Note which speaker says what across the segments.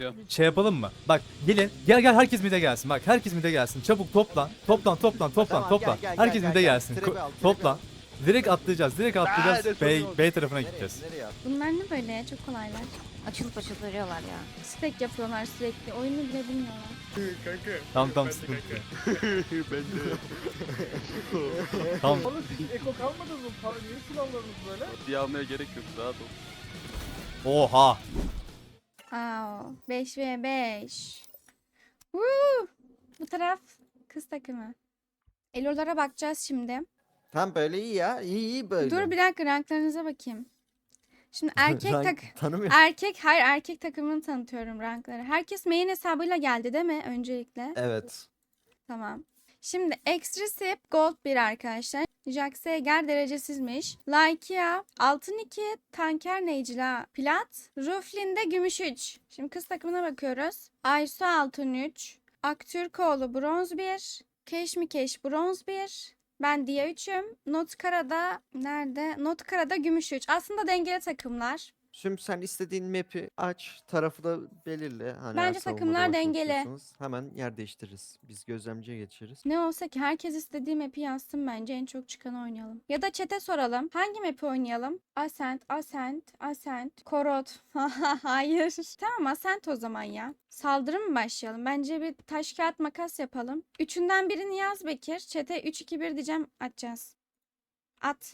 Speaker 1: Şey yapalım mı? Bak gelin. Gel herkes mid'e gelsin. Bak herkes mid'e gelsin. Çabuk toplan. Toplan.
Speaker 2: Tamam, gel,
Speaker 1: Herkes mid'e
Speaker 2: gel.
Speaker 1: gelsin.
Speaker 2: Trebi al, trebi
Speaker 1: Toplan.
Speaker 2: al.
Speaker 1: Direkt atlayacağız. B tarafına
Speaker 2: Nereye?
Speaker 1: gideceğiz.
Speaker 2: Nereye at?
Speaker 3: Bunlar ne böyle? Çok kolaylar.
Speaker 4: Açılıp veriyorlar ya.
Speaker 3: Stack yapıyorlar sürekli. Oyunu bile bilmiyorlar.
Speaker 1: Tamam
Speaker 5: Ben de
Speaker 1: sıkıntı yok.
Speaker 5: kanka.
Speaker 2: Ben de.
Speaker 1: Tamam.
Speaker 5: Oğlum siz eko kalmadınız mı? Niye silahlarınız böyle?
Speaker 6: Diye almaya gerek yok, rahat ol.
Speaker 1: Oha.
Speaker 3: Aa, 5v5. Woo! Bu taraf kız takımı. Elolara bakacağız şimdi.
Speaker 2: Tam böyle iyi ya. İyi böyle.
Speaker 3: Dur bir dakika ranklarınıza bakayım. Şimdi erkek
Speaker 2: Rank tanımıyorum.
Speaker 3: erkek takımını tanıtıyorum rankları. Herkes main hesabıyla geldi değil mi öncelikle?
Speaker 2: Evet.
Speaker 3: Tamam. Şimdi Extrasip Gold 1 arkadaşlar. Jaxeger derecesizmiş. Lykia Altın 2, Tanker Necla Plat, Ruflin'de Gümüş 3. Şimdi kız takımına bakıyoruz. Aysu Altın 3, Aktürkoğlu Bronz 1, Keşmikeş Bronz 1. Ben Dia 3'üm. Notkara'da nerede? Notkara'da Gümüş 3. Aslında dengeli takımlar.
Speaker 2: Şimdi sen istediğin map'i aç, tarafı da belirle. Hani
Speaker 3: Bence
Speaker 2: eğer savunmada
Speaker 3: takımlar
Speaker 2: başlamak
Speaker 3: dengeli.
Speaker 2: istiyorsanız hemen yer değiştiririz. Biz gözlemciye geçeriz.
Speaker 3: Ne olsa ki herkes istediği map'i yazsın bence en çok çıkanı oynayalım. Ya da chat'e soralım. Hangi map'i oynayalım? Ascent, Korot. Hayır. Tamam Ascent o zaman ya. Saldırı mı başlayalım? Bence bir taş kağıt makas yapalım. Üçünden birini yaz Bekir. Chat'e 3-2-1 diyeceğim atacağız. At.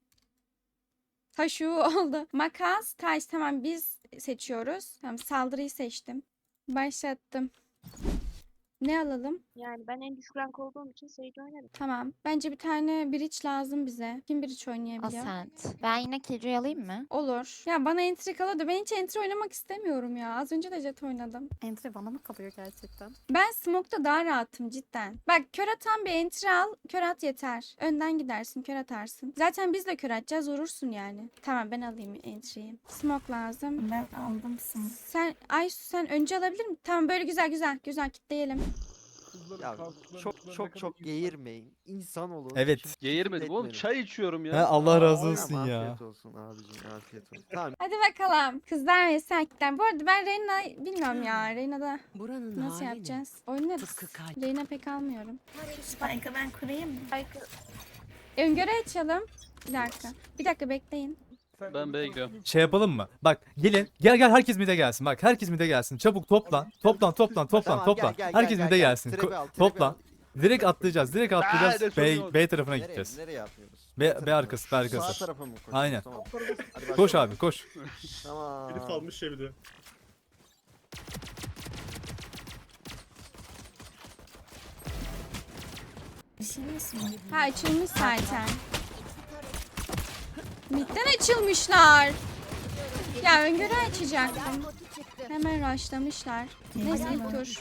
Speaker 3: Taşı oldu. Makas, taş tamam biz seçiyoruz. Tamam saldırıyı seçtim. Başlattım. Ne alalım?
Speaker 4: Yani ben en düşük rank olduğum için Sage oynarım.
Speaker 3: Tamam. Bence bir tane bridge lazım bize. Kim bridge oynayabiliyor?
Speaker 4: Ascent. Ben yine Killjoy alayım mı?
Speaker 3: Olur. Ya bana entry kalıyordu. Ben hiç entry oynamak istemiyorum ya. Az önce de jet oynadım.
Speaker 4: Entry bana mı kalıyor gerçekten?
Speaker 3: Ben smoke'ta daha rahatım cidden. Bak kör atan bir entry al. Kör at yeter. Önden gidersin. Kör atarsın. Zaten biz de kör atacağız. Vurursun yani. Tamam ben alayım entry'yi. Smoke lazım.
Speaker 7: Ben aldım smoke.
Speaker 3: Aysu sen önce alabilir misin? Tamam böyle güzel kitleyelim.
Speaker 5: Kızların
Speaker 2: Ya
Speaker 5: kalktıklarını,
Speaker 2: çok
Speaker 5: kızların
Speaker 2: çok
Speaker 5: ne kadar
Speaker 2: çok
Speaker 5: iyi-
Speaker 2: geğirmeyin. İnsan olun.
Speaker 1: Evet.
Speaker 6: Geğirmedim oğlum,
Speaker 2: Etmedim.
Speaker 6: çay içiyorum
Speaker 1: He,
Speaker 6: ya.
Speaker 1: Allah razı
Speaker 5: Tamam,
Speaker 1: olsun ya.
Speaker 2: Afiyet olsun abicim, afiyet olsun. Tamam.
Speaker 3: Hadi bakalım. Kızlar ve erkekler. Bu arada ben Reyna bilmiyorum ya. Reyna'da
Speaker 8: Buranın
Speaker 3: nasıl
Speaker 8: hali
Speaker 3: yapacağız? Oynarız.
Speaker 8: Tıpkı kalp.
Speaker 3: Reyna pek almıyorum.
Speaker 7: Spike'ı ben kurayım mı?
Speaker 3: Öngörü açalım. Bir dakika bekleyin.
Speaker 5: Sen
Speaker 6: Ben
Speaker 5: onu
Speaker 6: B'ye
Speaker 5: konuş-
Speaker 6: gidiyorum.
Speaker 1: Şey yapalım mı? Bak gelin. Gel herkes mid'e gelsin. Bak herkes mid'e gelsin. Çabuk toplan. Toplan.
Speaker 2: Tamam, gel,
Speaker 1: Herkes mid'e gelsin.
Speaker 2: Trebi al, trebi
Speaker 1: Toplan.
Speaker 2: al.
Speaker 1: Direkt atlayacağız. B tarafına
Speaker 2: Nereye?
Speaker 1: gideceğiz.
Speaker 2: Nereye yapıyoruz?
Speaker 1: B arkası, B
Speaker 2: Sağ
Speaker 1: arkası.
Speaker 2: tarafa mı koşuyoruz?
Speaker 1: Aynen.
Speaker 2: Tamam. Hadi
Speaker 1: Koş
Speaker 2: başlayalım.
Speaker 1: abi koş.
Speaker 2: Tamam.
Speaker 5: Biri salmış ya bir de.
Speaker 7: Bir şey mi smoke?
Speaker 3: Ha açılmış zaten. Midden açılmışlar. Ya öngörü açacaktım. Hemen rushlamışlar. Neyse ilk tur.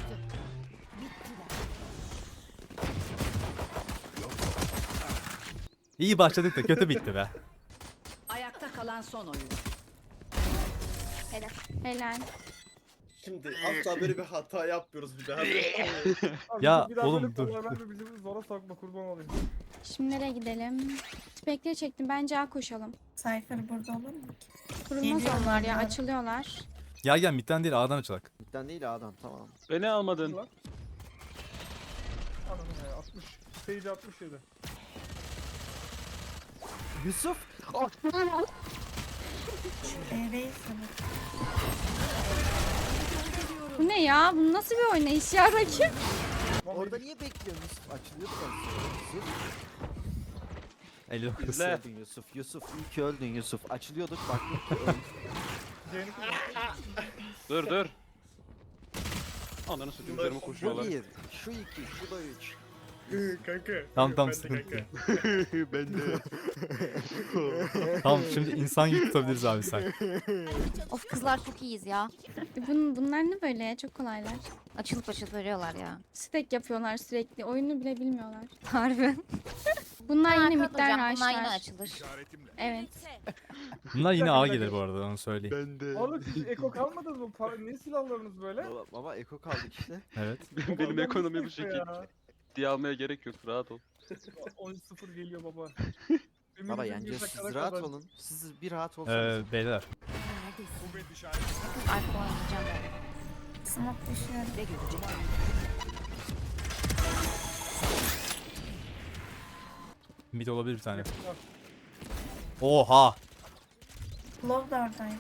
Speaker 1: İyi başladık da kötü bitti be.
Speaker 8: Ayakta kalan son oyun.
Speaker 3: Helal.
Speaker 9: Şimdi asla böyle bir hata yapmıyoruz bir daha.
Speaker 5: Abi
Speaker 1: Ya,
Speaker 5: bir daha
Speaker 1: oğlum,
Speaker 5: böyle
Speaker 1: dur.
Speaker 5: konular bizi zora sokma kurban olayım.
Speaker 3: Şimdi nereye gidelim? Spekleri çektim. Bence A koşalım.
Speaker 7: Cypher burada olur mu ki?
Speaker 3: Kurulmaz
Speaker 7: Geliyorlar
Speaker 3: onlar ya.
Speaker 7: ya.
Speaker 3: Açılıyorlar.
Speaker 1: Gel midden değil A'dan açılak.
Speaker 2: Bitten değil adam, tamam.
Speaker 6: Beni almadın.
Speaker 5: Anladım ya 60. Sage 67.
Speaker 2: Yusuf.
Speaker 7: B'deyiz sanırım.
Speaker 3: Bu ne ya? Bu nasıl bir oynayış ya rakip?
Speaker 2: Orada niye bekliyorsun Yusuf? Açılıyordu ben. Yusuf.
Speaker 1: 59.
Speaker 6: İzle.
Speaker 2: Öldün Yusuf. Yusuf iyi ki öldün Yusuf. Açılıyorduk baktık ki öldün.
Speaker 5: Jane'i
Speaker 6: Dur. Ananı satayım, üzerime
Speaker 2: Bu
Speaker 6: koşuyorlar.
Speaker 2: bir, şu iki, şu da üç.
Speaker 5: kanka.
Speaker 1: Tamam
Speaker 5: Ben de
Speaker 1: sıkıntı
Speaker 5: kanka.
Speaker 1: yok.
Speaker 2: Ben de.
Speaker 1: Tamam şimdi insan gibi tutabiliriz abi sen.
Speaker 4: Of kızlar çok iyiyiz ya.
Speaker 3: Bunlar ne böyle ya? Çok kolaylar.
Speaker 4: Açılıp veriyorlar ya.
Speaker 3: Stack yapıyorlar sürekli. Oyunu bile bilmiyorlar.
Speaker 4: Harbi.
Speaker 3: Bunlar yine
Speaker 4: Arka
Speaker 3: midden
Speaker 4: duracağım, bunlar yine
Speaker 3: rushlar.
Speaker 4: açılır.
Speaker 3: Evet.
Speaker 1: Bunlar yine A gelir bu arada onu söyleyeyim.
Speaker 2: Ben de.
Speaker 5: Oğlum siz eko kalmadınız mı? Niye silahlarınız böyle?
Speaker 2: Baba eko kaldık işte.
Speaker 1: Evet.
Speaker 6: Benim
Speaker 5: Adam
Speaker 6: ekonomi bu
Speaker 5: nasıl
Speaker 6: şekil.
Speaker 5: ya?
Speaker 6: Diye almaya gerek yok, rahat ol.
Speaker 5: 10-0 geliyor baba.
Speaker 2: Baba
Speaker 5: Ümidimiz
Speaker 2: yani
Speaker 5: bir
Speaker 2: siz
Speaker 5: dakikada
Speaker 2: rahat
Speaker 5: kadar.
Speaker 2: olun. Siz bir rahat olsanız.
Speaker 1: Beyler.
Speaker 4: Arka oynayacağım ben.
Speaker 7: Smoke düşüyorum.
Speaker 8: Ne görecekler?
Speaker 1: Mid olabilir bir tane. Oha.
Speaker 7: Love da oradaydı.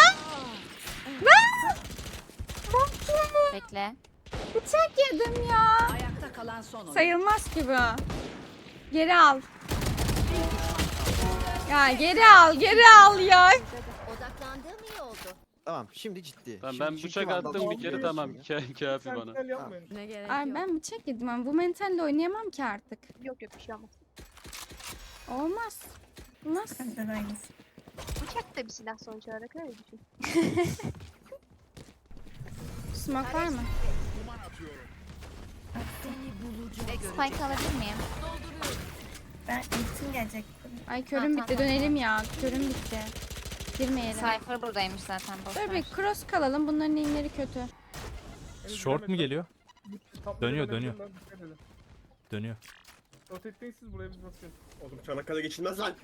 Speaker 4: Bekle.
Speaker 3: Bıçak yedim ya.
Speaker 8: Ayakta kalan son oyuncu.
Speaker 3: Sayılmaz ki bu. Geri al. Ya geri al, geri al ya.
Speaker 4: Odaklandığım iyi oldu.
Speaker 2: Tamam şimdi ciddi.
Speaker 6: Tamam,
Speaker 2: Şimdi
Speaker 6: ben
Speaker 2: çünkü
Speaker 6: bıçak
Speaker 2: vandal
Speaker 6: attım bir
Speaker 2: olmuyor
Speaker 6: kere, tamam.
Speaker 2: şimdi.
Speaker 6: Kafi
Speaker 5: Sen
Speaker 6: bana.
Speaker 5: gel yapmayın.
Speaker 4: Ne gerek
Speaker 3: Ay ben bıçak yedim ama bu mentalle oynayamam ki artık.
Speaker 4: Yok yok bir şey olmaz.
Speaker 3: Olmaz. Nasıl?
Speaker 7: Bende de aynısı.
Speaker 4: Bıçak da bir silah sonuç olarak öyle düşün.
Speaker 3: Smoke var mı?
Speaker 4: Spike alabilir miyim?
Speaker 7: Ben ultim gelecek buraya.
Speaker 3: Ay körüm bitti, dönelim ya. Körüm bitti. Girmeyelim.
Speaker 4: Cypher buradaymış zaten.
Speaker 3: Dur bir cross kalalım. Bunların inleri kötü.
Speaker 1: Short mu geliyor?
Speaker 5: Top
Speaker 1: Dönüyor,
Speaker 5: lane'e
Speaker 1: dönüyor.
Speaker 5: dönüyorlar, dikkat edin.
Speaker 1: Dönüyor.
Speaker 5: Rotate'deyin siz, buraya biz basıyoruz.
Speaker 9: Oğlum Çanakkale geçilmez lan.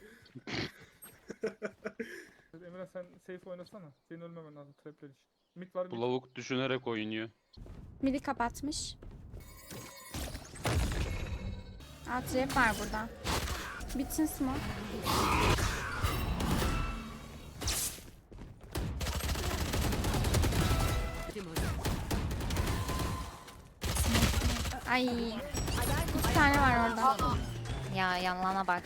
Speaker 5: Emre sen safe oynasana. Senin ölmemen lazım trapler için. Mid var,
Speaker 6: Bu
Speaker 5: mid.
Speaker 6: lavuk düşünerek oynuyor.
Speaker 3: Midi kapatmış. Aa trap var burada. Bitsin smoke. Ay. 2 tane var orada.
Speaker 4: Ya yanlana bak.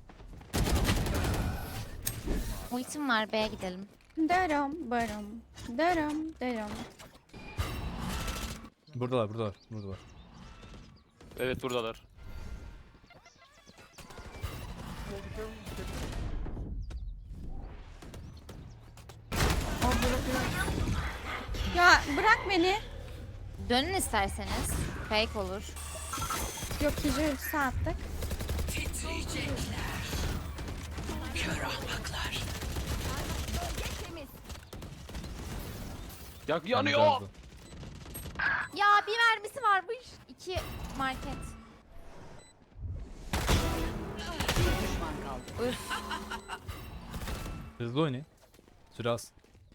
Speaker 4: Ultim var, B'ye gidelim.
Speaker 3: Darım barım. Darım darım.
Speaker 1: Buradalar, buradalar, buradalar.
Speaker 6: Evet, buradalar.
Speaker 3: Ya bırak beni.
Speaker 4: Dönün isterseniz. Fake olur.
Speaker 3: Yok hicri ultisi attık.
Speaker 6: Yanıyor.
Speaker 4: Ya bir mermisi varmış. 2 market.
Speaker 8: Düşman kaldı.
Speaker 1: Hızlı oynayın. Süre az.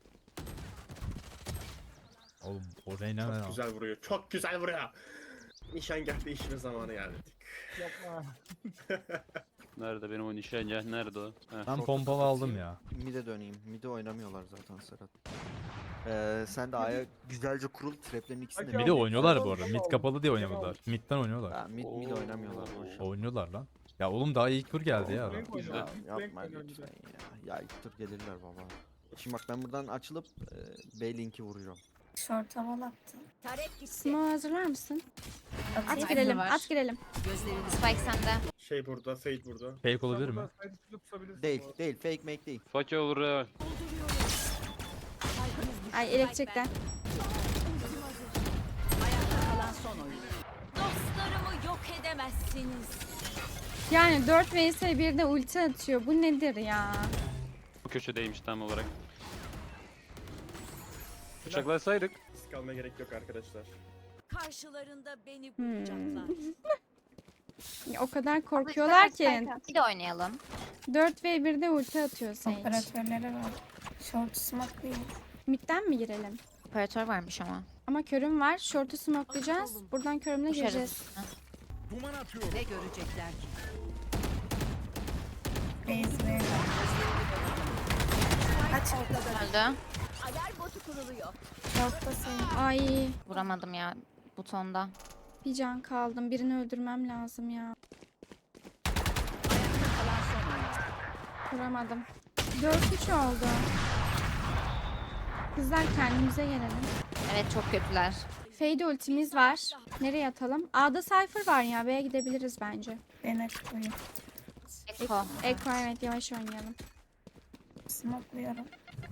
Speaker 1: Oğlum o Reyna ne
Speaker 9: Çok
Speaker 1: ya?
Speaker 9: güzel vuruyor. Çok güzel vuruyor. Nişangah değişme zamanı geldi.
Speaker 5: Yapma.
Speaker 6: Nerede benim o nişancı? Nerede o? Heh.
Speaker 1: Ben pompalı aldım ya.
Speaker 2: Mid'e döneyim. Mid'e oynamıyorlar zaten Serhat. Sen de A'ya güzelce kurul. Traplerin ikisini de
Speaker 5: Hadi
Speaker 1: Mid'e
Speaker 5: abi,
Speaker 1: oynuyorlar bu
Speaker 5: tamam,
Speaker 1: arada.
Speaker 5: tamam.
Speaker 1: Mid kapalı diye
Speaker 5: Tamam.
Speaker 1: oynadılar. Mid'den oynuyorlar.
Speaker 2: Ha, mid oynamıyorlar boş. ver.
Speaker 1: Oynuyorlar lan. Ya oğlum daha ilk tur geldi ya adam.
Speaker 5: Flank oynuyor,
Speaker 2: Ya,
Speaker 5: flank
Speaker 2: yapma
Speaker 5: oynuyor
Speaker 2: lütfen
Speaker 5: bir de.
Speaker 2: ya. Ya ilk tur gelirler baba. Şimdi bak ben buradan açılıp B link'i vuracağım.
Speaker 7: Short havalı attı.
Speaker 8: Tarek gitti.
Speaker 3: Smoke hazırlar mısın? At
Speaker 7: Atayım.
Speaker 3: girelim,
Speaker 4: var.
Speaker 3: at girelim.
Speaker 8: Gözlerini
Speaker 4: Spike sende.
Speaker 9: Şey burada, Fade burada.
Speaker 1: Fake olabilir mi?
Speaker 5: Sen burada side içinde pusabilirsin
Speaker 2: Değil,
Speaker 5: bu arada.
Speaker 2: değil. Fake make değil.
Speaker 6: Fakir olur ya.
Speaker 3: Ay elektrikten.
Speaker 8: ayakta kalan son oyuncu.
Speaker 10: Dostlarımı yok edemezsiniz.
Speaker 3: Yani 4 vs 1'de ulti atıyor. Bu nedir ya?
Speaker 6: Bu köşedeymiş tam olarak. Bıçaklasaydık.
Speaker 9: Risk almaya gerek yok arkadaşlar.
Speaker 10: Karşılarında beni bulacaklar.
Speaker 3: Ya o kadar korkuyorlar ki.
Speaker 4: Bir de oynayalım.
Speaker 3: 4 v 1'de ulti atıyor Sage.
Speaker 7: Operatörleri var. Short smoke değil.
Speaker 3: Mid'den mi girelim?
Speaker 4: Operatör varmış ama.
Speaker 3: Ama körüm var. Short'u smokelayacağız. Buradan körümle gireceğiz.
Speaker 4: Uçarız.
Speaker 8: Ne görecekler ki?
Speaker 7: Base ve kaç
Speaker 4: Öldü.
Speaker 10: Alarm botu kuruluyor.
Speaker 7: short'ta senin.
Speaker 3: Ay
Speaker 4: Vuramadım ya butonda.
Speaker 3: bir can kaldım. Birini öldürmem lazım ya.
Speaker 8: Ayakta kalan son oyuncu.
Speaker 3: Vuramadım. 4-3 oldu. Kızlar kendimize gelelim.
Speaker 4: Evet çok kötüler.
Speaker 3: Fade ultimiz var. Nereye atalım? A'da Cypher var ya. B'ye gidebiliriz bence.
Speaker 7: Ben açıklayayım.
Speaker 4: Eko.
Speaker 3: Ekko evet yavaş oynayalım.
Speaker 7: Smoke'luyorum.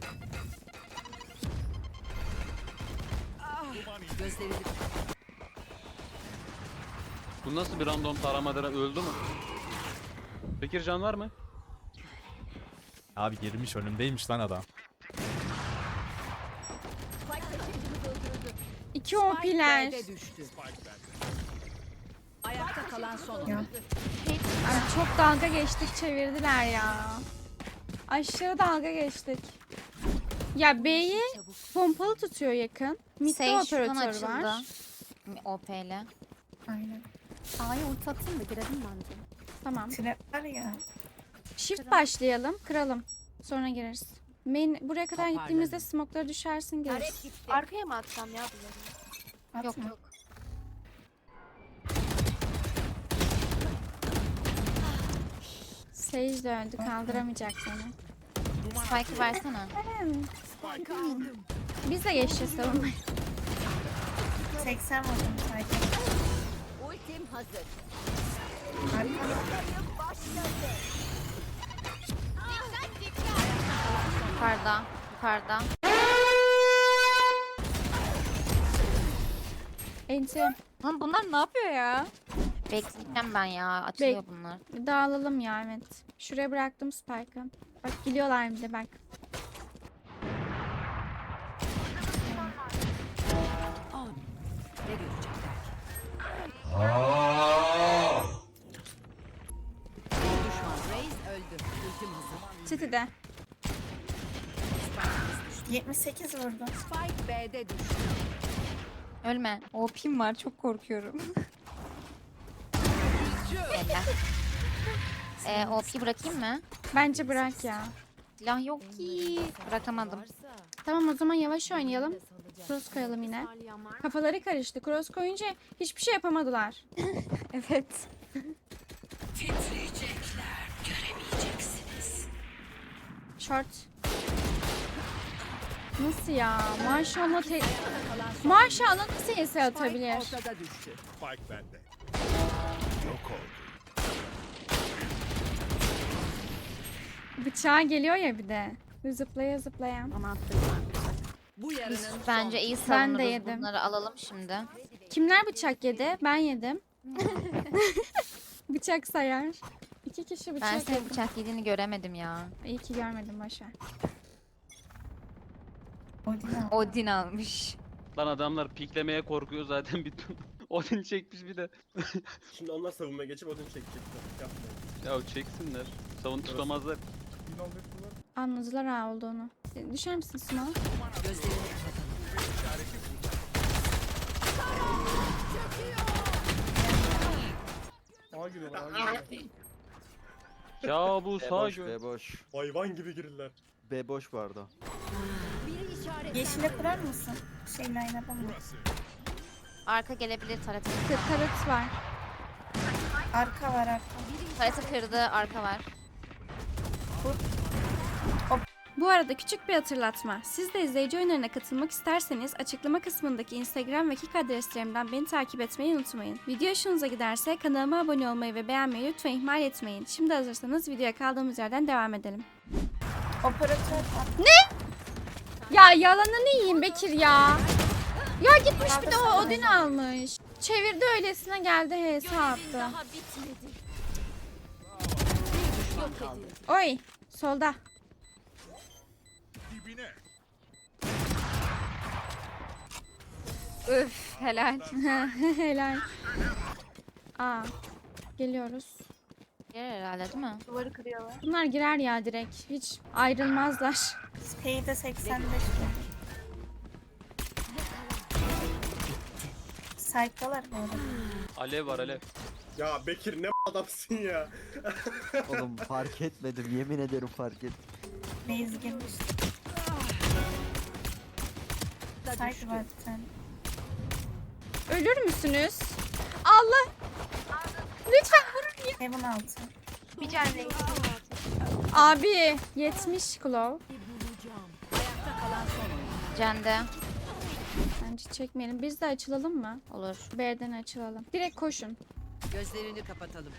Speaker 8: Gözlerini
Speaker 6: Bu nasıl bir random taramadan öldü mü? Bekir can var mı?
Speaker 1: Abi girmiş önümdeymiş lan adam.
Speaker 3: 2 OP'ler.
Speaker 8: B'de düştü. Ayakta kalan son
Speaker 7: Ya.
Speaker 8: oyuncu.
Speaker 3: Ay, çok dalga geçtik çevirdiler ya. Aşırı dalga geçtik. Ya B'yi Pompalı tutuyor yakın. Mid'de
Speaker 4: Sage şuradan
Speaker 3: operatör
Speaker 4: açıldı.
Speaker 3: var.
Speaker 4: OP ile.
Speaker 7: Aynen.
Speaker 10: A'ya ulti atayım da girelim bence.
Speaker 3: Tamam.
Speaker 7: Trap var ya.
Speaker 3: Shift başlayalım. Kıralım. Sonra gireriz. Buraya kadar gittiğimizde smoke'lara düşersin gireriz.
Speaker 10: Tarek gitti.
Speaker 4: Arkaya mı atsam ya bunları?
Speaker 7: Atma.
Speaker 4: Yok.
Speaker 3: Sage de öldü. Kaldıramayacak seni.
Speaker 4: Spike'ı versene.
Speaker 3: Biz de geçeceğiz savunmaya.
Speaker 7: 80 vurdum sadece.
Speaker 10: Ultim hazır.
Speaker 4: Yukarıda. Yukarıda.
Speaker 3: Ence
Speaker 4: Lan bunlar ne yapıyor ya? Bekleyeceğim ben ya. Açılıyor bunlar.
Speaker 3: dağılalım ya evet. Şuraya bıraktım Spike'ı. Bak geliyorlar bir de bak.
Speaker 8: Ne görecekler ki? Bir düşman. Reis öldü. Ultim hazır.
Speaker 3: City'de.
Speaker 7: 78 vurdum.
Speaker 8: Spike B'de düştü.
Speaker 4: Ölme. OP'm var. Çok korkuyorum. OP'yi bırakayım mı?
Speaker 3: Bence bırak ya.
Speaker 4: Silah yok ki. Bırakamadım.
Speaker 3: Tamam o zaman yavaş oynayalım. Cross koyalım yine. Kafaları karıştı. Cross koyunca hiçbir şey yapamadılar.
Speaker 4: Evet.
Speaker 3: Short. Nasıl ya? Maşallah Maşallah nasıl ES atabilir?
Speaker 8: Ortada düştü.
Speaker 9: Spike bende. Yok oldu.
Speaker 3: Bıçağı geliyor ya bir de. Zıplaya zıplaya.
Speaker 8: Bu yarının
Speaker 4: Bence iyi
Speaker 3: Ben de
Speaker 4: savunuruz.
Speaker 3: yedim.
Speaker 4: Bunları alalım şimdi.
Speaker 3: Kimler bıçak yedi? Ben yedim. Bıçak sayar. 2 kişi
Speaker 4: Ben
Speaker 3: bıçak
Speaker 4: senin
Speaker 3: yedi.
Speaker 4: bıçak yediğini göremedim ya.
Speaker 3: İyi ki görmedim boşver.
Speaker 7: Odin al.
Speaker 4: Odin almış.
Speaker 6: Lan adamlar piklemeye korkuyor zaten bir Odin çekmiş bir de.
Speaker 9: Şimdi onlar savunmaya geçip odun çekecekler. Yapmayın.
Speaker 6: Ya çeksinler. Savun tutamazlar.
Speaker 5: Bin alacak var.
Speaker 3: Anladılar ha olduğunu. Düşer misin Suma?
Speaker 8: gözlerini kapatalım.
Speaker 5: A giriyorlar. A giriyorlar.
Speaker 6: Ya bu
Speaker 2: B
Speaker 6: sağ
Speaker 2: boş, B boş.
Speaker 9: Hayvan gibi girirler.
Speaker 2: B boş vardı.
Speaker 10: Biri işaret.
Speaker 7: Yeşile kurar mısın? Şey line up'a mı?
Speaker 4: Arka gelebilir tarafı.
Speaker 3: Tarıt var.
Speaker 7: Arka var arka.
Speaker 4: Tarafı kırdı. Arka var.
Speaker 3: Bu arada küçük bir hatırlatma. Siz de izleyici oyunlarına katılmak isterseniz açıklama kısmındaki Instagram ve Kik adreslerimden beni takip etmeyi unutmayın. Video hoşunuza giderse kanalıma abone olmayı ve beğenmeyi lütfen ihmal etmeyin. Şimdi hazırsanız videoya kaldığımız yerden devam edelim.
Speaker 7: Operatör at.
Speaker 3: Ya yalanını yiyeyim Bekir ya. Ya gitmiş bir de o Odin almış. Çevirdi öylesine geldi HS attı.
Speaker 10: Daha bitmedi. Yok edildi.
Speaker 3: Oy solda.
Speaker 4: Üf helal.
Speaker 3: Helal. Aa geliyoruz.
Speaker 4: Yer herhalde değil mi?
Speaker 3: Bunlar girer ya direkt. Hiç ayrılmazlar.
Speaker 7: Speyde 85 vurdum. Site'dalar bu arada.
Speaker 6: Alev var alev.
Speaker 9: Ya Bekir ne adamsın ya.
Speaker 2: Oğlum fark etmedim. Yemin ederim fark etmedim.
Speaker 7: Base girmiş. Site var bir tane.
Speaker 3: Ölür müsünüz? Allah. Lütfen vurun ya.
Speaker 7: Heaven altı.
Speaker 3: Abi 70 Claw.
Speaker 4: Cende.
Speaker 3: Bence çekmeyelim. Biz de açılalım mı?
Speaker 4: Olur.
Speaker 3: B'den açılalım. Direkt koşun.
Speaker 8: Gözlerini kapatalım.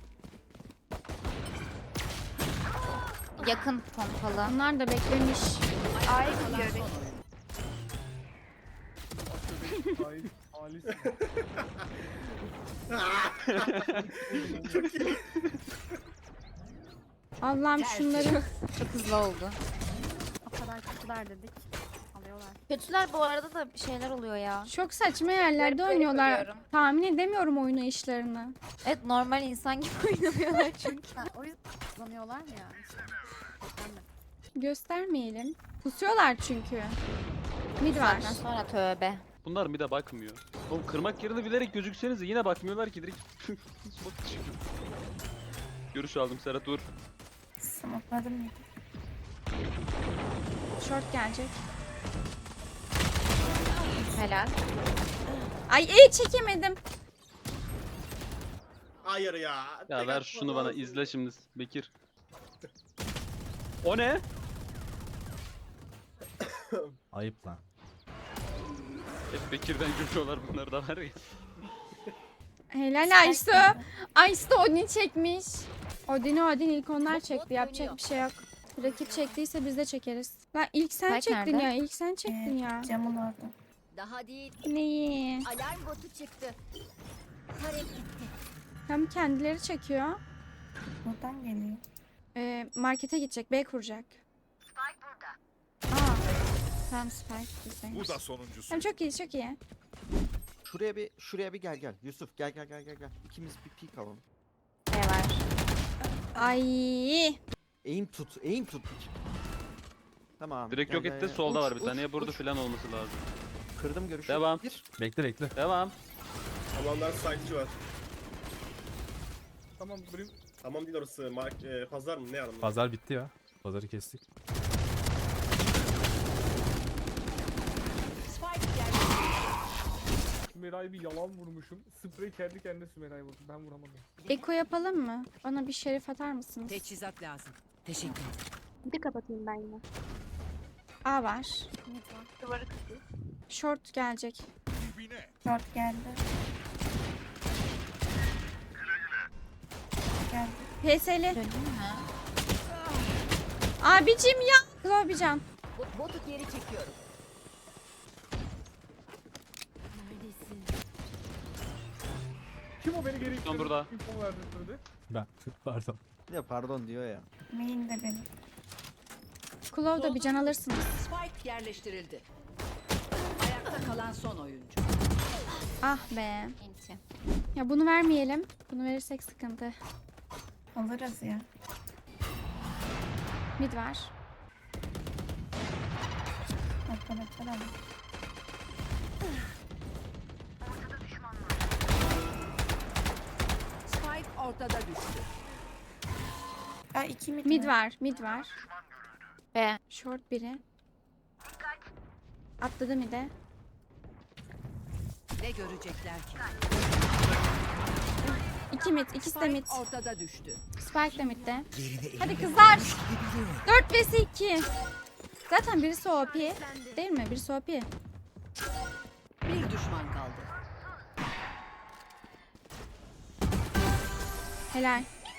Speaker 4: Yakın pompalı.
Speaker 3: Onlar da beklemiş.
Speaker 5: Ay Alice.
Speaker 3: Allah'ım şunları.
Speaker 4: Çok hızlı oldu.
Speaker 10: O kadar kötüler dedik. Alıyorlar.
Speaker 4: Kötüler bu arada da şeyler oluyor ya.
Speaker 3: Çok saçma yerlerde oynuyorlar.
Speaker 4: görüyorum.
Speaker 3: Tahmin edemiyorum oyunu işlerini.
Speaker 4: Evet normal insan gibi oynuyorlar çünkü.
Speaker 10: O yüzden kullanıyorlar mı ya?
Speaker 3: Göstermeyelim. Pusuyorlar çünkü. Mid var.
Speaker 4: Saatten sonra tövbe.
Speaker 6: Bunlar bir de bakmıyor. Oğlum kırmak yerine bilerek gözükseniz yine bakmıyorlar ki direkt. Smoke çıkıyor. Görüş aldım Serhat dur.
Speaker 7: Smokladım mı?
Speaker 3: Short gelecek.
Speaker 4: Helal.
Speaker 3: Ay iyi çekemedim.
Speaker 9: Hayır ya.
Speaker 6: Ya
Speaker 9: tek
Speaker 6: ver
Speaker 9: atma
Speaker 6: şunu bana
Speaker 9: lazım.
Speaker 6: izle şimdi Bekir. O ne?
Speaker 1: Ayıp lan.
Speaker 6: Hep Bekir'den gülüyorlar bunlar da var ya.
Speaker 3: Helal Aysu. Aysu da Odin çekmiş. Odin ilk onlar çekti. Yapacak bir şey yok. Rakip çektiyse biz de çekeriz. Lan ilk sen
Speaker 4: Spike
Speaker 3: çektin
Speaker 4: nerede?
Speaker 3: ya. İlk sen çektin ya.
Speaker 7: Camın orada.
Speaker 8: Daha değil.
Speaker 3: Neyi?
Speaker 8: Alarm botu çıktı. Tarek gitti.
Speaker 3: Hem kendileri çekiyor.
Speaker 7: Buradan geliyor.
Speaker 3: Markete gidecek. B kuracak. Spike burada. Aa. Tamam Spike. Güzel.
Speaker 11: Bu da sonuncusu.
Speaker 3: Tamam çok iyi çok iyi.
Speaker 2: Şuraya bir gel. Yusuf gel. İkimiz bir peek alalım.
Speaker 4: B var.
Speaker 3: Ay.
Speaker 2: Aim tut. Tamam.
Speaker 6: Direkt
Speaker 2: gel,
Speaker 6: yok
Speaker 2: gel,
Speaker 6: etti
Speaker 2: gel.
Speaker 6: solda
Speaker 2: Uç,
Speaker 6: var bir tane.
Speaker 2: uç,
Speaker 6: Ya burada
Speaker 2: uç.
Speaker 6: falan olması lazım.
Speaker 2: Kırdım görüşü.
Speaker 6: Devam.
Speaker 2: Bir.
Speaker 1: Bekle.
Speaker 6: Devam.
Speaker 9: Tamamlar site'ci var.
Speaker 5: Tamam Brim.
Speaker 9: Tamam değil orası. Pazar mı? Ne anlamda?
Speaker 1: Pazar bitti ya. Pazarı kestik.
Speaker 5: Sümera'yı bir yalan vurmuşum. Sprey kendi kendine Sümera'yı vurdu. Ben vuramadım.
Speaker 3: Eko yapalım mı? Bana bir şerif atar mısınız?
Speaker 8: Teçhizat lazım. Teşekkür ederim.
Speaker 10: Bir kapatayım ben yine.
Speaker 3: A var.
Speaker 10: Mid var. Duvarı kırıyor.
Speaker 3: Short gelecek.
Speaker 11: Dibine.
Speaker 7: Short geldi. Geldi.
Speaker 3: PS'li.
Speaker 4: Döneyim mi?
Speaker 3: Abicim ya. Klobican.
Speaker 8: Botu geri çekiyorum. Neredesin?
Speaker 5: Kim o beni geri itti?
Speaker 6: burada.
Speaker 5: Kim o verdi söyledi?
Speaker 1: Ben. Pardon.
Speaker 2: Ya pardon diyor ya.
Speaker 7: Main de benim.
Speaker 3: Klov da bir can alırsınız.
Speaker 8: Spike yerleştirildi. Ayakta kalan son oyuncu.
Speaker 3: Ah be.
Speaker 4: Enti.
Speaker 3: Ya bunu vermeyelim. Bunu verirsek sıkıntı.
Speaker 7: Alırız ya.
Speaker 3: Mid var.
Speaker 7: Arkadaşlar alın.
Speaker 8: Spike ortada düştü.
Speaker 7: Aa 2 mid,
Speaker 3: Mid var. Mid var.
Speaker 4: B.
Speaker 3: Short biri. Atladı mid'e.
Speaker 8: Ne görecekler ki?
Speaker 3: 2 mid. İkisi de mid.
Speaker 8: Spike ortada düştü.
Speaker 3: Spike de mid'de. Hadi kızlar. 4 vs 2. Zaten birisi OP. Değil mi? Birisi OP.
Speaker 8: Bir düşman kaldı.
Speaker 3: Helal.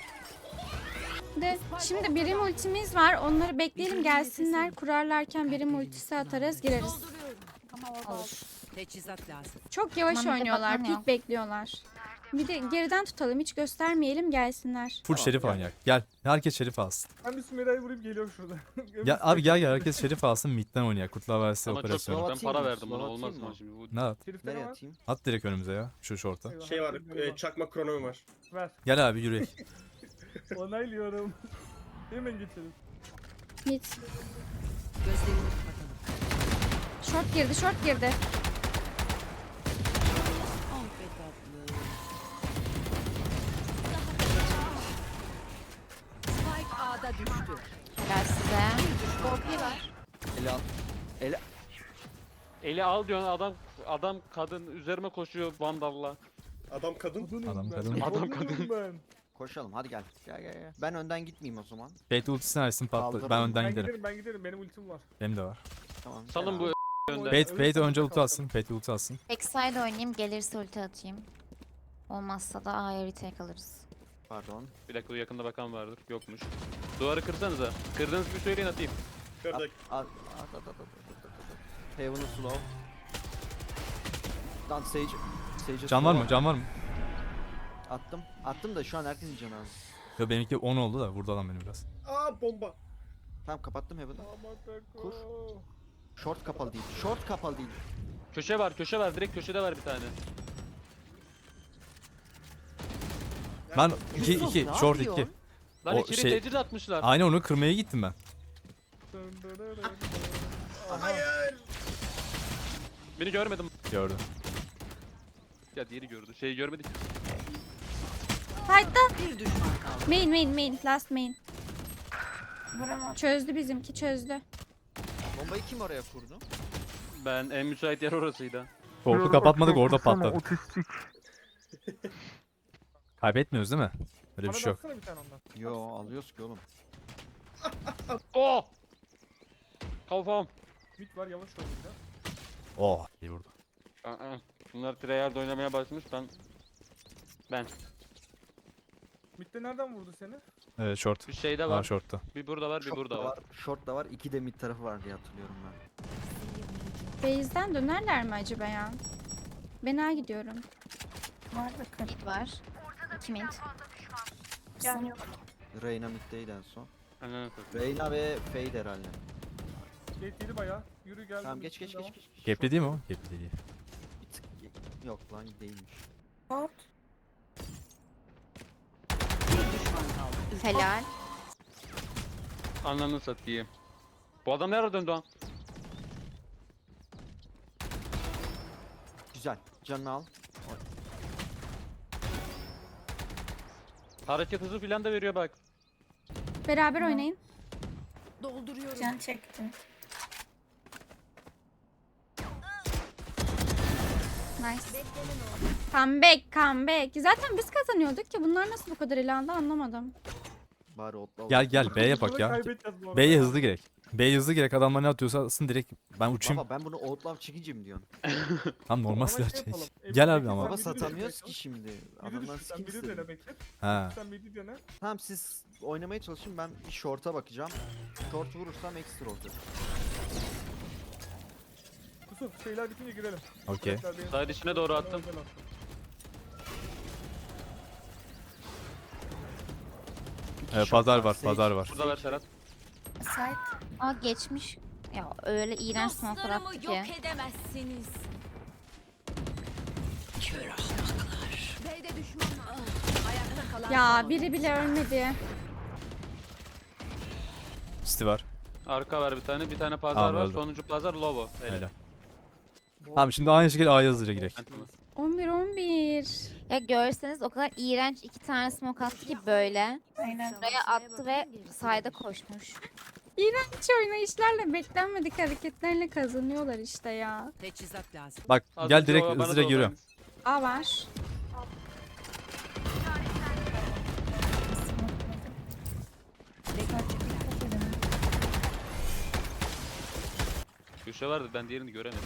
Speaker 3: De şimdi birim ultimiz var. Onları bekleyelim gelsinler. Kurarlarken birim ultisi atarız gireriz.
Speaker 10: Ama orada
Speaker 4: Olur.
Speaker 8: Teçhizat lazım.
Speaker 3: Çok yavaş
Speaker 4: Tamam, bir de
Speaker 3: oynuyorlar.
Speaker 4: bakamıyorum.
Speaker 3: Pik bekliyorlar. Bir de geriden tutalım. Hiç göstermeyelim gelsinler.
Speaker 1: Full şerif oynayak. Gel. Herkes şerif alsın.
Speaker 5: Ben bir Sümera'yı vurayım geliyorum şurada.
Speaker 1: Ya abi gel herkes şerif alsın. Mid'den oynayak. Kurtlar Vadisi
Speaker 6: Ama çok
Speaker 1: operasyonu.
Speaker 6: zor. Ben
Speaker 2: Atayım
Speaker 6: para
Speaker 2: mı?
Speaker 6: verdim ona
Speaker 2: Slow
Speaker 6: olmaz
Speaker 2: atayım
Speaker 6: mı
Speaker 2: mı?
Speaker 6: şimdi bu?
Speaker 1: Ne at?
Speaker 5: Herifte ne
Speaker 2: Nereye
Speaker 5: var?
Speaker 2: atayım?
Speaker 1: At direkt önümüze ya. Şu şorta.
Speaker 5: Eyvah,
Speaker 9: Şey var.
Speaker 5: eyvah.
Speaker 9: Çakma kronomi var.
Speaker 5: Ver.
Speaker 1: Gel abi yürü.
Speaker 5: Onaylıyorum. Hemen geçelim.
Speaker 3: Mid.
Speaker 8: Gözlerini kapatalım.
Speaker 3: Short girdi. Short girdi.
Speaker 8: Ah be tatlı. Spike A'da düştü.
Speaker 4: Helal size.
Speaker 8: OP var.
Speaker 2: Ele al.
Speaker 6: Eli al diyorsun adam kadın üzerime koşuyor vandalla.
Speaker 9: Adam kadın.
Speaker 1: Adam
Speaker 5: ben.
Speaker 1: kadın.
Speaker 6: Adam kadın.
Speaker 5: Ben.
Speaker 2: Koşalım hadi gel. Gel. Ben önden gitmeyeyim o zaman.
Speaker 1: Fate ultisini açsın patla.
Speaker 2: Kaldırın.
Speaker 1: Ben önden
Speaker 5: Ben
Speaker 1: giderim.
Speaker 5: giderim ben giderim. Benim ultim var.
Speaker 1: Benim de var.
Speaker 2: Tamam.
Speaker 6: Salın bu önden.
Speaker 1: Fate önce ulti atsın. Fate ulti atsın.
Speaker 4: Backside oynayayım. Gelirse ulti atayım. Olmazsa da A'ya retake alırız.
Speaker 2: Pardon.
Speaker 6: Bir dakika dur, yakında bakan vardır. Yokmuş. Duvarı kırsanıza. Kırdığınız bir söyleyin atayım.
Speaker 9: Kırdık.
Speaker 2: At. Heaven'ı slow. Lan Sage'e
Speaker 1: Can var
Speaker 2: slow
Speaker 1: mı? Can var mı?
Speaker 2: Attım. Attım da şu an herkesin canı az.
Speaker 1: Yo benimki 10 oldu da vurdu adam beni biraz.
Speaker 9: Aa bomba.
Speaker 2: Tamam kapattım Heaven'ı.
Speaker 5: Aman
Speaker 2: Kur.
Speaker 5: tako.
Speaker 2: Short kapalı değil. Short kapalı değil.
Speaker 6: Köşe var. Direkt köşede var bir tane.
Speaker 1: Ben
Speaker 2: Yusuf,
Speaker 1: 2
Speaker 2: ne
Speaker 1: short 2.
Speaker 2: yapıyorsun?
Speaker 6: Lan
Speaker 1: O
Speaker 6: içeri
Speaker 1: şey-
Speaker 6: tecrit atmışlar.
Speaker 1: Aynen onu kırmaya gittim ben.
Speaker 9: Hayır.
Speaker 6: Beni görmedim.
Speaker 1: Gördüm.
Speaker 6: Ya diğeri gördü. Şeyi görmedik.
Speaker 3: Fight'ta.
Speaker 8: Bir düşman kaldı.
Speaker 3: Main. Last main.
Speaker 7: Vuramam.
Speaker 3: Çözdü bizimki çözdü.
Speaker 2: Bombayı kim oraya kurdu?
Speaker 6: Ben en müsait yer orasıydı.
Speaker 1: Korku kapatmadık orada patladı. Kaybetmiyoruz değil mi? Öyle bir
Speaker 5: Bana
Speaker 1: şey yok.
Speaker 5: baksana bir tane ondan.
Speaker 2: Yo alıyoruz ki oğlum.
Speaker 6: Oh! Kafam.
Speaker 5: Mid var yavaş oynayın ya.
Speaker 1: Oh iyi vurdu.
Speaker 6: Aa, bunlar tryhard oynamaya başlamış. Ben.
Speaker 5: Mid'de nereden vurdu seni?
Speaker 1: Evet short.
Speaker 6: Bir şey de
Speaker 1: Var
Speaker 6: var.
Speaker 1: short'ta.
Speaker 6: Bir burada var, bir
Speaker 2: Short
Speaker 6: burada
Speaker 2: da
Speaker 6: var.
Speaker 2: Short da var. 2 de mid tarafı var diye hatırlıyorum ben.
Speaker 3: Base'den dönerler mi acaba ya? Ben A gidiyorum.
Speaker 7: Var da kır.
Speaker 4: Mid var. 2 mid.
Speaker 7: Can yok.
Speaker 2: Reyna middeydi en son.
Speaker 6: Ananı satayım.
Speaker 2: Reyna ve Fade herhalde.
Speaker 5: Gate yedi bayağı. Yürü gel.
Speaker 2: Tamam geç.
Speaker 1: Gapli değil mi o? Gapli değil.
Speaker 2: Bir tık yok lan değilmiş.
Speaker 7: Short.
Speaker 8: Bir düşman kaldı.
Speaker 4: Helal.
Speaker 6: Ananı satayım. Bu adam nereye döndü lan?
Speaker 2: Güzel. Canını al.
Speaker 6: Hareket hızı filan da veriyor bak.
Speaker 3: Beraber oynayın.
Speaker 8: Dolduruyorum.
Speaker 7: Can çekti.
Speaker 3: Nice. Comeback. Zaten biz kazanıyorduk ki bunlar nasıl bu kadar ilerledi anlamadım.
Speaker 2: Bari otla.
Speaker 1: Gel B'ye bak ya.
Speaker 5: Kaybedeceğiz bu arada.
Speaker 1: B'ye hızlı gerek. B'ye hızlı gerek. Adamlar ne atıyorsa atsın direkt. Ben uçayım.
Speaker 2: Baba ben bunu outlaw çekince mi diyorsun?
Speaker 1: Tam normal
Speaker 5: Ama
Speaker 1: silah
Speaker 5: şey
Speaker 1: çek.
Speaker 5: yapalım,
Speaker 1: Gel
Speaker 5: Emre
Speaker 1: abi
Speaker 5: Bekir,
Speaker 1: ama.
Speaker 5: sen
Speaker 2: Baba
Speaker 5: midi dene
Speaker 2: satamıyoruz
Speaker 5: Bekir.
Speaker 2: ki şimdi.
Speaker 5: Midi
Speaker 2: Adamlar
Speaker 5: düşün, sen
Speaker 2: skin
Speaker 5: midi
Speaker 2: istedi.
Speaker 5: dene Bekir.
Speaker 1: Ha.
Speaker 5: Sen midi dene.
Speaker 2: Tamam siz oynamaya çalışın ben bir short'a bakacağım. Short vurursam ekstra olacak.
Speaker 5: Yusuf şeyler bitince girelim.
Speaker 1: Okey.
Speaker 5: Bekler beni-
Speaker 6: Side içine doğru
Speaker 5: Bana
Speaker 6: attım.
Speaker 5: özel attım.
Speaker 2: İki
Speaker 1: Pazar
Speaker 2: short
Speaker 1: var.
Speaker 2: Sage.
Speaker 1: Pazar var.
Speaker 6: Burada ver Serhat.
Speaker 7: Side.
Speaker 4: Aa geçmiş. Ya öyle iğrenç smoke'lar attı ki.
Speaker 8: edemezsiniz. Kör ahmaklar. B'de düşman var. Ayakta kalan
Speaker 3: Ya
Speaker 8: son
Speaker 3: biri bile ölmedi.
Speaker 1: City var.
Speaker 6: Arka var bir tane. Bir tane pazar
Speaker 1: Tamam,
Speaker 6: var.
Speaker 1: öldü.
Speaker 6: Sonuncu pazar Lobo.
Speaker 1: Öyle. Tamam şimdi aynı şekilde A'ya hızlıca girek.
Speaker 3: 11.
Speaker 4: Ya görseniz o kadar iğrenç 2 tane smoke attı ki böyle.
Speaker 7: Aynen.
Speaker 4: Buraya attı ve side'a koşmuş.
Speaker 3: İğrenç oynayışlarla beklenmedik hareketlerle kazanıyorlar işte ya.
Speaker 8: Teçhizat lazım.
Speaker 1: Bak
Speaker 6: Az
Speaker 1: gel
Speaker 6: önce
Speaker 1: direkt
Speaker 6: bana da
Speaker 1: hızlıca giriyorum.
Speaker 6: oradaymış.
Speaker 3: A var.
Speaker 6: Köşe vardı ben diğerini göremedim.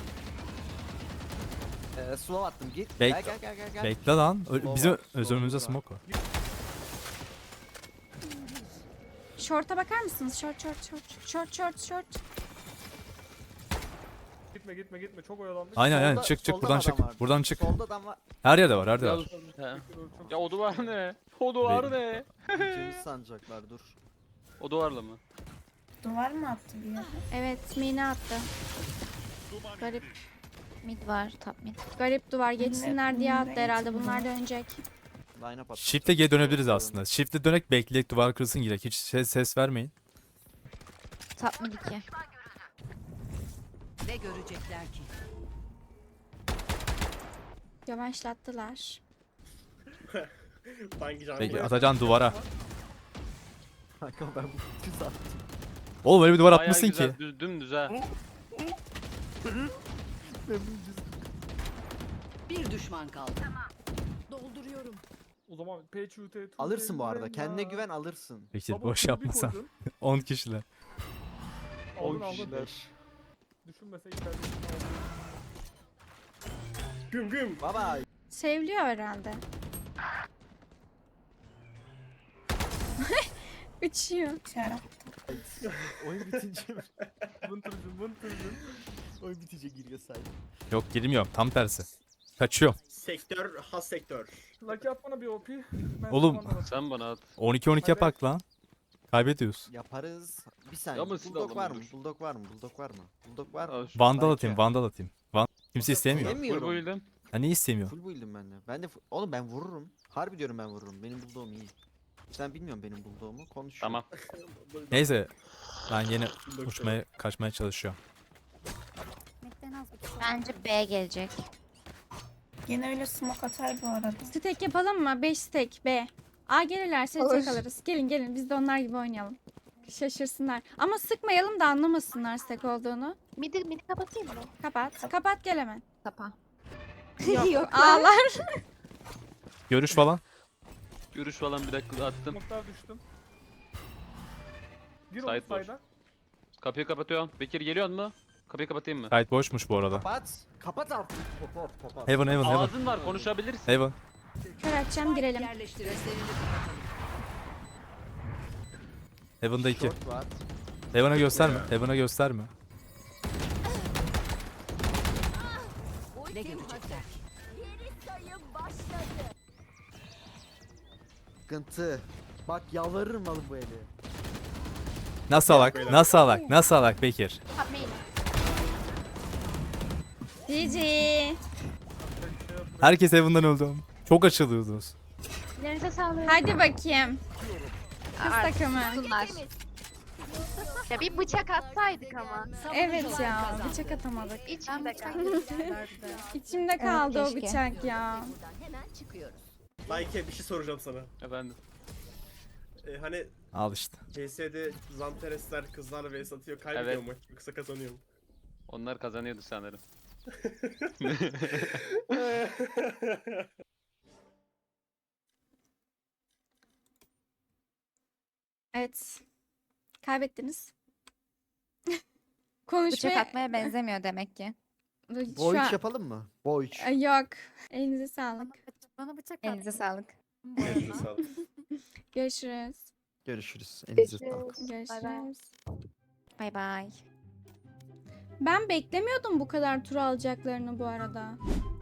Speaker 2: Slow attım git.
Speaker 1: Bek-
Speaker 2: Gel.
Speaker 1: Bekle lan.
Speaker 2: Slow
Speaker 1: Bizim
Speaker 2: var, slow
Speaker 1: önümüzde
Speaker 2: var.
Speaker 1: smoke var.
Speaker 3: Short'a bakar mısınız? Short.
Speaker 5: Gitme çok oyalandık.
Speaker 1: Aynen
Speaker 2: Solda-
Speaker 1: çık
Speaker 2: solda
Speaker 1: buradan
Speaker 2: adam
Speaker 1: çık.
Speaker 2: var.
Speaker 1: Buradan çık.
Speaker 2: Solda adam var.
Speaker 1: Her yerde var her
Speaker 6: Ya,
Speaker 1: yerde var.
Speaker 6: ya o duvar ne? O duvar ne?
Speaker 2: Gideceğimizi sanacaklar dur.
Speaker 6: O duvarla mı?
Speaker 7: Duvar mı attı bir yere?
Speaker 3: Evet mini attı. Garip.
Speaker 4: Mid var, top mid.
Speaker 3: Garip duvar geçsinler diye attı
Speaker 7: Nereye
Speaker 3: herhalde.
Speaker 7: gitti
Speaker 3: Bunlar
Speaker 7: bu?
Speaker 3: dönecek.
Speaker 2: Line up at.
Speaker 1: Shift'e geri dönebiliriz aslında. Shift'e dönek bekleyek duvar kırılsın girek. Hiç ses vermeyin.
Speaker 4: Top mid 2.
Speaker 8: Ne görecekler ki?
Speaker 3: Yavaşlattılar.
Speaker 9: Hangi canlı?
Speaker 1: Peki atacan duvara.
Speaker 2: Kanka ben bu düz attım.
Speaker 1: Oğlum öyle bir duvar
Speaker 6: Bayağı
Speaker 1: atmışsın
Speaker 6: güzel,
Speaker 1: ki.
Speaker 6: dümdüz ha.
Speaker 8: Bir düşman kaldı. Dolduruyorum.
Speaker 5: O zaman PQT
Speaker 2: Alırsın bu arada. Kendine güven alırsın.
Speaker 1: Peki boş yapmasan. 10 kişiler.
Speaker 5: 10
Speaker 2: 10 kişiler.
Speaker 5: Düşünmese içeride.
Speaker 9: Güm güm.
Speaker 2: Baba.
Speaker 3: Sevliyor herhalde. Uçuyor.
Speaker 7: Şarap.
Speaker 2: Oyun bitince mi?
Speaker 5: Vıntırcın.
Speaker 2: Oyun bitince giriyor saydı.
Speaker 1: Yok girmiyorum tam tersi. Kaçıyorum.
Speaker 9: Sektör, has sektör.
Speaker 5: Lucky at bana bir OP. Ben
Speaker 1: Oğlum.
Speaker 5: sana anlamadım.
Speaker 6: Sen bana at.
Speaker 1: 12-12 yapak lan. Kaybediyoruz.
Speaker 2: Yaparız. Bir saniye.
Speaker 6: Ama siz de
Speaker 2: Bulldog var mı?
Speaker 6: alamıyordur.
Speaker 2: Bulldog var mı? Bulldog var mı? Bulldog var mı?
Speaker 6: Al şu-
Speaker 1: Vandal
Speaker 2: Belki.
Speaker 1: atayım vandal atayım. Kimse istemiyor.
Speaker 6: Full
Speaker 2: Yemiyorum.
Speaker 6: build'im.
Speaker 1: Ha ne istemiyor?
Speaker 2: Full build'im ben de. Ben de oğlum ben vururum. Harbi diyorum ben vururum. Benim bulldog'um iyi. Sen bilmiyorum benim bulldog'umu. Konuşuyor.
Speaker 6: Tamam.
Speaker 1: Neyse. Ben yine kaçmaya çalışıyorum.
Speaker 10: Bekle en az 3
Speaker 4: Bence B gelecek.
Speaker 7: Yine öyle smoke atar bu arada.
Speaker 3: Stack yapalım mı? 5 stack B. A gelirlerse
Speaker 4: Olur.
Speaker 3: tek alırız. Gelin gelin biz de onlar gibi oynayalım. Şaşırsınlar. Ama sıkmayalım da anlamasınlar stack olduğunu.
Speaker 4: Midi kapatayım mı?
Speaker 3: Kapat. Kapat gel hemen.
Speaker 4: Kapa.
Speaker 3: Yok. Ağlar.
Speaker 1: Görüş falan.
Speaker 6: Görüş falan bir dakika attım.
Speaker 5: Smoke'lar düştüm. Gir
Speaker 6: Side
Speaker 5: oğlum
Speaker 6: boş.
Speaker 5: sayda.
Speaker 6: Kapıyı kapatıyorum. Bekir geliyor mu? Kapıyı kapatayım mı?
Speaker 1: Site boşmuş bu arada.
Speaker 2: Kapat. Kapat artık. Kapat.
Speaker 1: Heaven heaven heaven.
Speaker 6: Ağzın var konuşabilirsin.
Speaker 1: Heaven.
Speaker 3: Kör açacağım girelim.
Speaker 8: Yerleştirildi.
Speaker 1: Heaven'da 2.
Speaker 2: Short var.
Speaker 1: Heaven'a gösterme. Heaven'a gösterme.
Speaker 8: Ne görecekler?
Speaker 2: Sıkıntı. Bak yalvarırım alın bu eli.
Speaker 1: Nasıl alak? Nasıl alak? Nasıl alak Bekir?
Speaker 3: GG.
Speaker 1: Herkes Heaven'dan öldü. Çok açılıyordunuz.
Speaker 4: Ellerinize sağlık.
Speaker 3: Hadi bakayım. Kız
Speaker 4: Artık
Speaker 3: takımı.
Speaker 4: sussunlar. Ya bir bıçak atsaydık ama.
Speaker 3: Evet ya. Bıçak atamadık.
Speaker 4: İçimde
Speaker 3: İçimde kaldı o
Speaker 4: keşke.
Speaker 3: bıçak ya.
Speaker 8: Hemen çıkıyoruz.
Speaker 9: Like bir şey soracağım sana.
Speaker 6: Efendim.
Speaker 9: Hani
Speaker 1: Al işte.
Speaker 9: CS'de Zanteresler kızlarla vs atıyor kaybediyor
Speaker 6: Evet.
Speaker 9: mu? Yoksa kazanıyor mu?
Speaker 6: Onlar kazanıyordu sanırım.
Speaker 3: Evet. Kaybettiniz.
Speaker 4: Bıçak
Speaker 3: Konuşmaya...
Speaker 4: atmaya benzemiyor demek ki.
Speaker 3: Şu
Speaker 2: Boy
Speaker 3: an-
Speaker 2: 3 yapalım mı? Boy 3.
Speaker 3: Yok. Elinize sağlık.
Speaker 10: Bana bıçak
Speaker 4: Elinize sağlık.
Speaker 9: Elinize sağlık.
Speaker 3: Görüşürüz.
Speaker 2: Görüşürüz. Elinize sağlık.
Speaker 3: Görüşürüz.
Speaker 4: Bay bay.
Speaker 3: Ben beklemiyordum bu kadar tur alacaklarını bu arada.